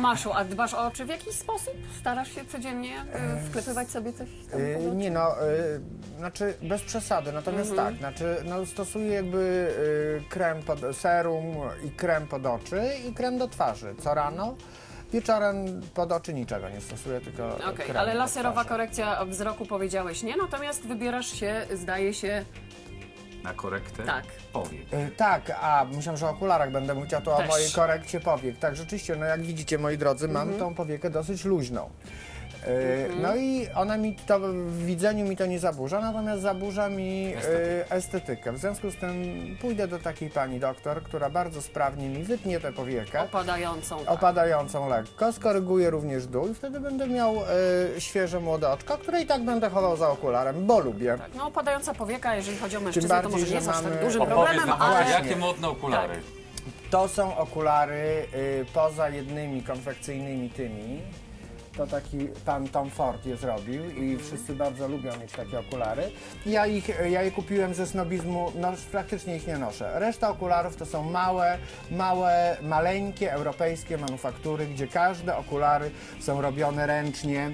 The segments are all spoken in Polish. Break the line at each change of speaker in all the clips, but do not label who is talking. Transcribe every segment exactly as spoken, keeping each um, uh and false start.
Tomaszu, a dbasz o oczy w jakiś sposób? Starasz się codziennie y, wklepywać sobie coś tam
Yy,
pod oczy?
nie no, yy, znaczy bez przesady, natomiast
Mhm.
tak, znaczy no, stosuję jakby yy, krem pod serum i krem pod oczy i krem do twarzy co rano. Wieczorem pod oczy niczego nie stosuję, tylko
Okej,
krem
ale
do
laserowa
twarzy.
korekcja wzroku powiedziałeś nie, natomiast wybierasz się, zdaje się,
Na korektę
tak.
powiek.
Yy, tak, a myślałem, że o okularach będę mówić, a to
Też.
o mojej korekcie powiek. Tak, rzeczywiście, no jak widzicie, moi drodzy, mam
Mhm.
tą powiekę dosyć luźną. Yy, No i ona mi to w widzeniu mi to nie zaburza, natomiast zaburza mi
Estetykę.
yy, estetykę. W związku z tym pójdę do takiej pani doktor, która bardzo sprawnie mi wytnie tę powiekę,
Opadającą. Tak.
opadającą lekko, skoryguje również dół i wtedy będę miał yy, świeże młode oczka, które i tak będę chował za okularem, bo lubię.
Tak, no opadająca powieka, jeżeli chodzi o mężczyznę,
bardziej,
to może nie
że
jest aż tak
mamy-
dużym
Opowiedz
problemem,
nam,
ale...
jakie modne okulary.
Tak.
To są okulary yy, poza jednymi konfekcyjnymi tymi. To taki pan Tom Ford je zrobił i wszyscy bardzo lubią mieć takie okulary. Ja, ich, ja je kupiłem ze snobizmu, no praktycznie ich nie noszę. Reszta okularów to są małe, małe, maleńkie europejskie manufaktury, gdzie każde okulary są robione ręcznie.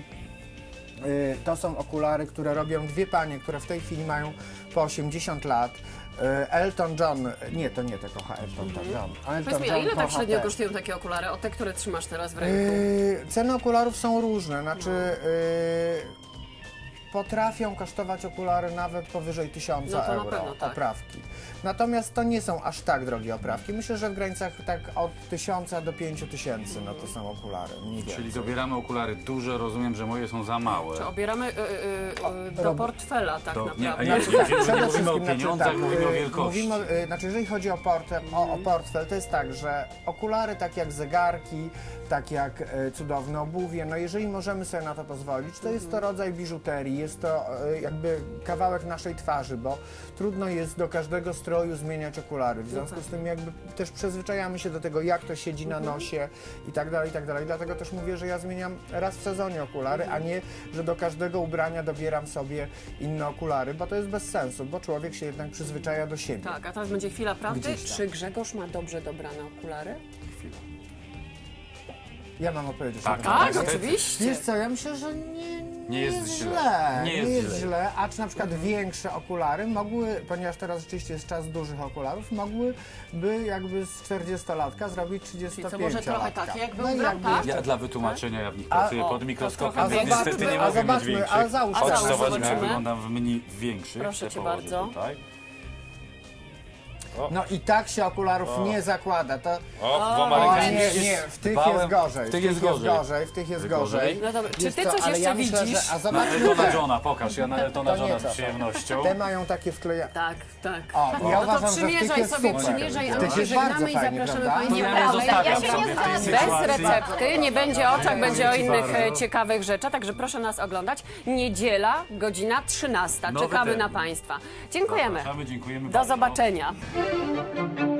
Y, To są okulary, które robią dwie panie, które w tej chwili mają po osiemdziesiąt lat. Y, Elton John, nie, to nie te kocha Elton John. Elton
Powiedz mi, a
John
ile tak
kocha
średnio
te.
kosztują takie okulary? O te, które trzymasz teraz w ręku?
Yy, ceny okularów są różne, znaczy yy, potrafią kosztować okulary nawet powyżej tysiąca
No to na
euro,
pewno tak.
oprawki. Natomiast to nie są aż tak drogie oprawki. Myślę, że w granicach tak od tysiąca do pięciu tysięcy no to są okulary. mniej
Czyli
więcej.
dobieramy okulary duże, rozumiem, że moje są za małe.
Czy obieramy y, y, y, do
rob-
portfela tak
To, nie,
naprawdę?
nie, nie, nie,
Przede
nie mówimy o
wszystkim,
pieniądzach,
znaczy,
mówimy o
yy,
wielkości.
Mówimy, o- yy, znaczy, jeżeli chodzi o, portem, o, o portfel, to jest tak, że okulary, tak jak zegarki, tak jak yy, cudowne obuwie, no jeżeli możemy sobie na to pozwolić, to jest to rodzaj biżuterii, jest to yy, jakby kawałek naszej twarzy, bo trudno jest do każdego stroju zmieniać okulary. W związku z tym jakby też przyzwyczajamy się do tego, jak to siedzi na nosie i tak dalej, i tak dalej. Dlatego też mówię, że ja zmieniam raz w sezonie okulary, a nie, że do każdego ubrania dobieram sobie inne okulary, bo to jest bez sensu, bo człowiek się jednak przyzwyczaja do siebie.
Tak, a teraz będzie chwila prawdy.
Gdzieś tam.
Czy Grzegorz ma dobrze dobrane okulary?
Chwila.
Ja mam odpowiedzieć
Tak,
na to
Tak,
niestety.
oczywiście.
Wiesz co, ja myślę, że nie, nie,
Nie jest
jest
źle.
źle.
Nie jest źle.
źle, a czy na przykład większe okulary mogły, ponieważ teraz rzeczywiście jest czas dużych okularów, mogłyby jakby z czterdziestolatka zrobić trzydziestopięciolatka.
Czyli co, może trochę takie jak był
No i
Bram,
jakby-
tak?
Ja dla wytłumaczenia, ja w nich
A-
pracuję
o,
pod
to
mikroskopem,
trochę
więc
więcej.
niestety nie
A
mogę mieć
zobaczmy,
większych.
a załóż-
Chodź,
a załóż,
zobaczmy, jak
zobaczymy.
wyglądam w menu większych.
Proszę
Te
cię
położę
bardzo.
Tutaj.
No i tak się okularów
O.
nie zakłada. To,
O,
o,
dwoma
nie,
rękami.
nie, w tych
Dbałem.
jest gorzej.
W tych jest gorzej.
w tych jest
Gorzej?
gorzej.
No dobra, czy
Wiesz
ty
co,
coś
ale
jeszcze
ja myślę,
widzisz?
Że, a
Na
zobaczmy
Eltona
te.
Johna, pokaż, ja na Eltona
To nie
Johna
to.
z przyjemnością.
Te mają takie wkleja...
Tak, tak.
O,
No
ja
to
uważam, że w tych
przymierzaj
jest
sobie,
super.
przymierzaj, a
W
my
tych
się
jest bardzo
żegnamy i
fajnie,
zapraszamy
prawda?
Państwa.
Ja nie
Nieprawda,
zostawiam
ja się nie
sobie tej
zgadzam.
Bez
sytuacji.
recepty, nie będzie o oczach, będzie o
Dzięki
innych e,
bardzo.
ciekawych rzeczach, także proszę nas oglądać. Niedziela, godzina trzynasta.
Nowy
Czekamy
termin.
na Państwa. Dziękujemy.
Zapraszamy, dziękujemy
Do
bardzo.
zobaczenia.